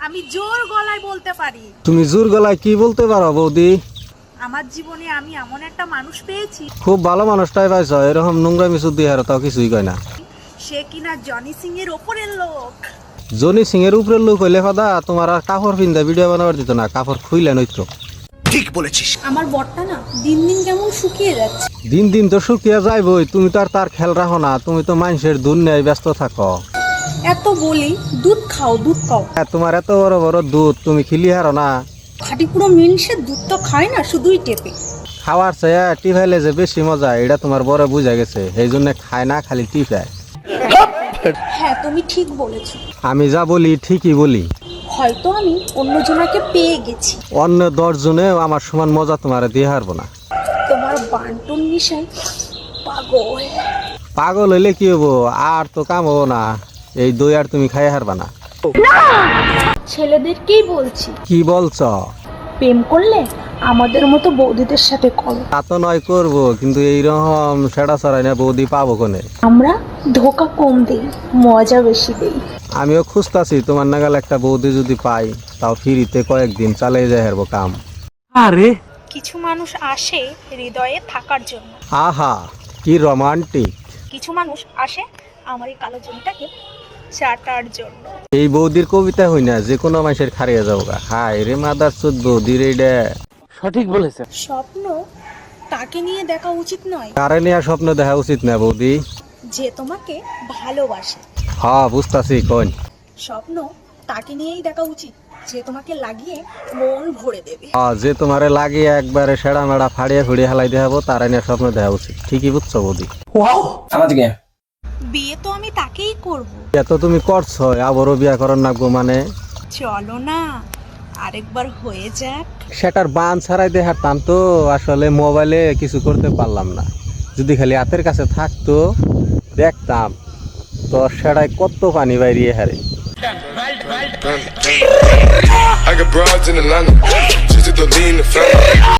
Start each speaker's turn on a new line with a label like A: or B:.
A: আমি জোর গলায় বলতে পারি।
B: তুমি জোর গলায় কি বলতে পারো বৌদি?
A: আমার জীবনে আমি এমন একটা মানুষ পেয়েছি,
B: খুব ভালো মানুষটাই পাইছ, এরকম নোংরামি শুদ্ধি হারো তাও কিছুই কয় না।
A: সে কিনা জনি সিং এর ওপরের লোক।
B: জনি সিং এর উপরের লোক হইলে ফাদা তোমার আর কাপড় পিন্দা ভিডিও বানাবার দিত না, কাপড় খুইলে নইতো।
C: ঠিক বলেছিস।
D: আমার বরটা না দিন দিন কেমন শুকিয়ে যাচ্ছে।
B: দিন দিন তো শুকিয়ে যাইবই, তুমি তো আর তার খেয়াল রাখো না, তুমি তো মানুষের দুনিয়ায় ব্যস্ত থাকো।
D: এত বলি দুধ খাও দুধ খাও,
B: হ্যাঁ, তোমার এত বড় বড় দুধ, তুমি খিলি হারো না।
D: খাঁটি পুরো মিলসে দুধ তো খায় না, শুধুই টেপে।
B: খাওয়ার চেয়ে টিফাইলে যে বেশি মজা, এটা তোমার বড় বুঝা গেছে, এই জন্য খায় না, খালি টিফায়।
D: হ্যাঁ তুমি ঠিক বলেছো,
B: আমি যা বলি ঠিকই বলি।
D: হয়তো আমি অন্যজনাকে পেয়ে গেছি,
B: অন্য 10 জনেও আমার সমান মজা তোমার দিয়ে হারবো না।
D: তোমার বান্টুর নিশায় পাগল।
B: পাগল হইলে কি হবো, আর তো কাম হবো না, এই দই আর তুমি খাই হারবা না।
D: ছেলেদেরকেই বলছি,
B: কি বলছ?
D: প্রেম করলে আমাদের মতো বৌদিদের সাথে করো।
B: তা তো নয় করবো, কিন্তু এইরকম সেটা ছড়াই না বৌদি পাবো কোনে?
D: আমরা ধোকা কম দেই, মজা বেশি দেই।
B: আমিও খুঁজতাছি তোমার নাগাল একটা বৌদি যদি পাই, তাও ফিরিতে কয়েকদিন চালিয়ে যায় হারবো কাম। আরে
A: কিছু মানুষ আসে হৃদয়ে থাকার জন্য,
B: আহা কি রোমান্টিক।
A: কিছু মানুষ আসে আমার এই কালো জমিটাকে চাটার জন্য।
B: এই বৌদির কবিতা হই না, যে কোনো মানুষের খারিয়ে যাবো গা। হাই রে মাদার চোদ বৌদির এইটা। সঠিক বলেছে।
A: স্বপ্ন তাকে নিয়ে দেখা উচিত নয়
B: কারে নিয়ে স্বপ্ন দেখা উচিত না বৌদি।
A: যে তোমাকে ভালোবাসে।
B: হ্যাঁ বুঝতাছি কোন।
A: স্বপ্ন তাকে নিয়েই দেখা উচিত যে তোমাকে লাগিয়ে মন ভরে দেবে।
B: হ্যাঁ, যে তোমারে লাগিয়ে একবারে সেড়া মেড়া ফাড়িয়ে ফুড়িয়ে হেলাই দেখাবো, তারা নিয়ে স্বপ্ন দেখা উচিত। ঠিকই বুঝছো বৌদি।
A: বিয়ে তো আমি তাকেই করব।
B: এত তুমি করছো, আবারও বিয়া করার নাগবো মানে?
A: চলো না আরেকবার হয়ে যাক।
B: সেটার বান ছাড়াই দেখাতাম তো, আসলে মোবাইলে কিছু করতে পারলাম না। যদি খালি হাতের কাছে থাকতো দেখতাম, তো সেটাই কত পানি বাইরিয়ে হারে।
E: I got broads in Atlanta, just to lean the family.